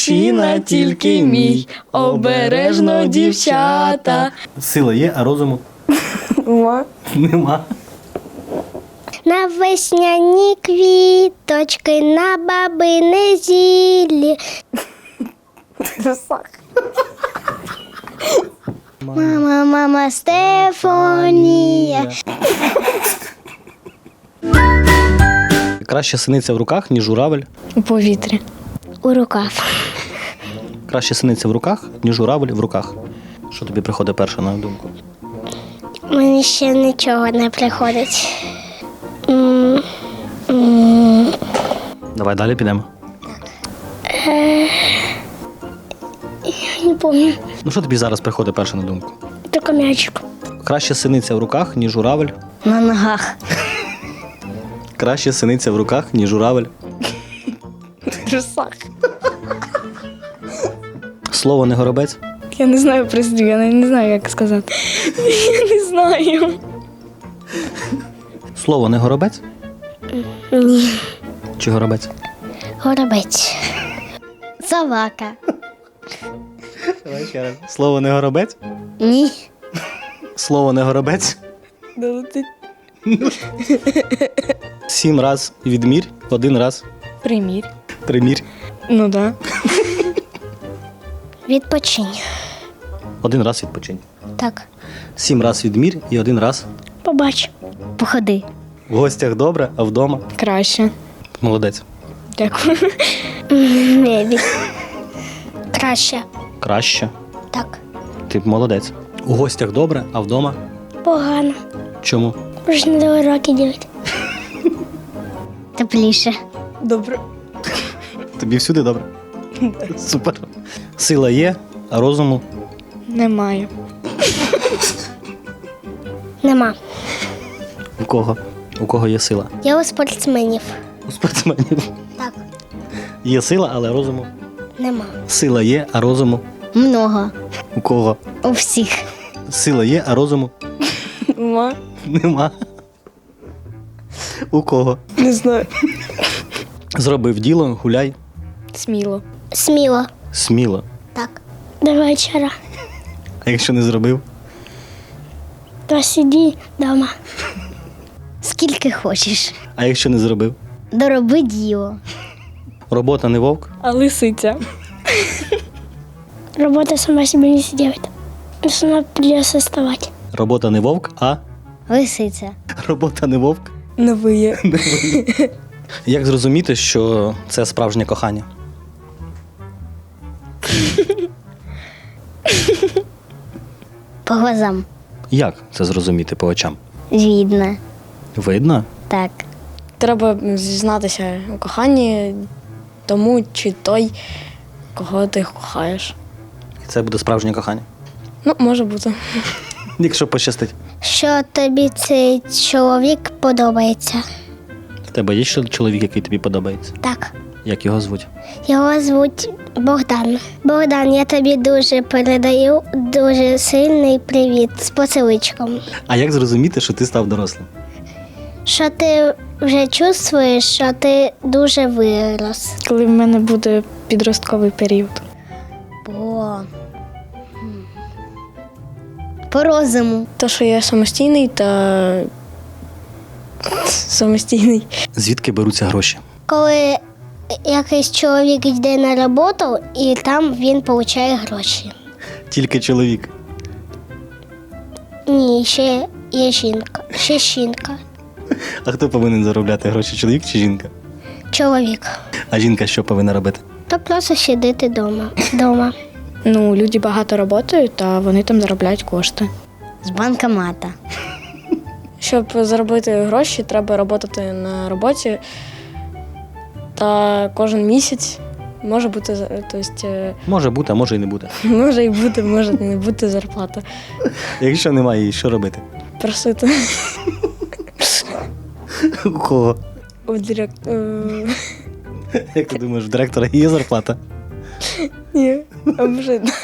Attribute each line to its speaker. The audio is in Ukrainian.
Speaker 1: мужчина тільки мій, обережно, дівчата.
Speaker 2: Сила є, а розуму
Speaker 1: Ма.
Speaker 2: нема.
Speaker 3: На весняні квіточки, на бабине зіллі. Мама, мама, Стефанія.
Speaker 2: Краще синиця в руках, ніж журавель.
Speaker 1: У повітрі.
Speaker 3: У рукав.
Speaker 2: Краще синиця в руках, ніж журавель в руках. Що тобі приходить перше на думку?
Speaker 3: Мені ще нічого не приходить.
Speaker 2: Давай далі підемо.
Speaker 3: Я не пам'ятаю.
Speaker 2: Ну що тобі зараз приходить перше на думку?
Speaker 3: Тільки м'ячик.
Speaker 2: Краще синиця в руках, ніж журавель.
Speaker 3: На ногах.
Speaker 2: Краще синиця в руках, ніж журавель.
Speaker 1: В трусах.
Speaker 2: Слово не горобець.
Speaker 1: Я не знаю прислів, я не знаю, як сказати. Я не знаю.
Speaker 2: Слово не горобець?
Speaker 3: Ні.
Speaker 2: Чи горобець?
Speaker 3: Горобець. Собака.
Speaker 2: Давай ще раз. Слово не горобець?
Speaker 3: Ні.
Speaker 2: Слово не горобець?
Speaker 1: Долетить.
Speaker 2: 7 раз відмір, 1 раз
Speaker 1: Примір.
Speaker 2: примір.
Speaker 1: Ну да.
Speaker 3: Відпочинь.
Speaker 2: 1 раз відпочинь.
Speaker 3: Так.
Speaker 2: 7 раз відмір і 1 раз.
Speaker 3: Побач. Походи.
Speaker 2: В гостях добре, а вдома?
Speaker 1: Краще.
Speaker 2: Молодець.
Speaker 1: Дякую.
Speaker 3: Мебіль. Краще.
Speaker 2: Краще.
Speaker 3: Так.
Speaker 2: Ти молодець. У гостях добре, а вдома?
Speaker 3: Погано.
Speaker 2: Чому?
Speaker 3: Вже не до уроки ділять. Тепліше.
Speaker 1: Добре.
Speaker 2: Тобі всюди добре? Супер. Сила є, а розуму?
Speaker 1: Немає.
Speaker 3: Нема.
Speaker 2: У кого? У кого є сила?
Speaker 3: Я у спортсменів.
Speaker 2: У спортсменів.
Speaker 3: Так.
Speaker 2: Є сила, але розуму?
Speaker 3: Нема.
Speaker 2: Сила є, а розуму?
Speaker 3: Много.
Speaker 2: У кого?
Speaker 3: У всіх.
Speaker 2: Сила є, а розуму?
Speaker 1: Ма.
Speaker 2: Нема. У кого?
Speaker 1: Не знаю.
Speaker 2: Зробив діло, гуляй.
Speaker 1: Сміло.
Speaker 3: Сміло.
Speaker 2: Сміло.
Speaker 3: Так. До вечора.
Speaker 2: А якщо не зробив?
Speaker 3: То сиді вдома. Скільки хочеш.
Speaker 2: А якщо не зробив?
Speaker 3: Дороби діло.
Speaker 2: Робота не вовк?
Speaker 1: А лисиця.
Speaker 3: Робота сама себе не сделает. Сама придется вставать.
Speaker 2: Робота не вовк, а
Speaker 3: Лисиця.
Speaker 2: робота не вовк.
Speaker 1: Не виє.
Speaker 2: Як зрозуміти, що це справжнє кохання?
Speaker 3: По глазам.
Speaker 2: Як це зрозуміти по очам?
Speaker 3: Видно.
Speaker 2: Видно?
Speaker 3: Так.
Speaker 1: Треба зізнатися у коханні тому чи той, кого ти кохаєш.
Speaker 2: І це буде справжнє кохання.
Speaker 1: Ну, може бути.
Speaker 2: Якщо пощастить.
Speaker 3: Що тобі цей чоловік подобається?
Speaker 2: В тебе є чоловік, який тобі подобається?
Speaker 3: Так.
Speaker 2: Як його звуть?
Speaker 3: Його звуть Богдан. Богдан, я тобі дуже передаю дуже сильний привіт з поціличком.
Speaker 2: А як зрозуміти, що ти став дорослим?
Speaker 3: Що ти вже чувствуєш, що ти дуже вирос.
Speaker 1: Коли в мене буде підростковий період.
Speaker 3: По розуму.
Speaker 1: То, що я самостійний та самостійний.
Speaker 2: Звідки беруться гроші?
Speaker 3: Коли якийсь чоловік йде на роботу і там він отримує гроші.
Speaker 2: Тільки чоловік.
Speaker 3: Ні, ще є жінка. Ще жінка.
Speaker 2: А хто повинен заробляти гроші, чоловік чи жінка?
Speaker 3: Чоловік.
Speaker 2: А жінка що повинна робити?
Speaker 3: То просто сидіти вдома.
Speaker 1: Ну, люди багато працюють, та вони там заробляють кошти.
Speaker 3: З банкомата.
Speaker 1: Щоб заробити гроші, треба працювати на роботі. Та кожен місяць може бути,
Speaker 2: Може бути, а може і не бути.
Speaker 1: може і бути, може і не бути зарплата.
Speaker 2: Якщо немає її, що робити?
Speaker 1: Просити
Speaker 2: У кого?
Speaker 1: у
Speaker 2: Як ти думаєш, в директора є зарплата?
Speaker 1: Ні, а може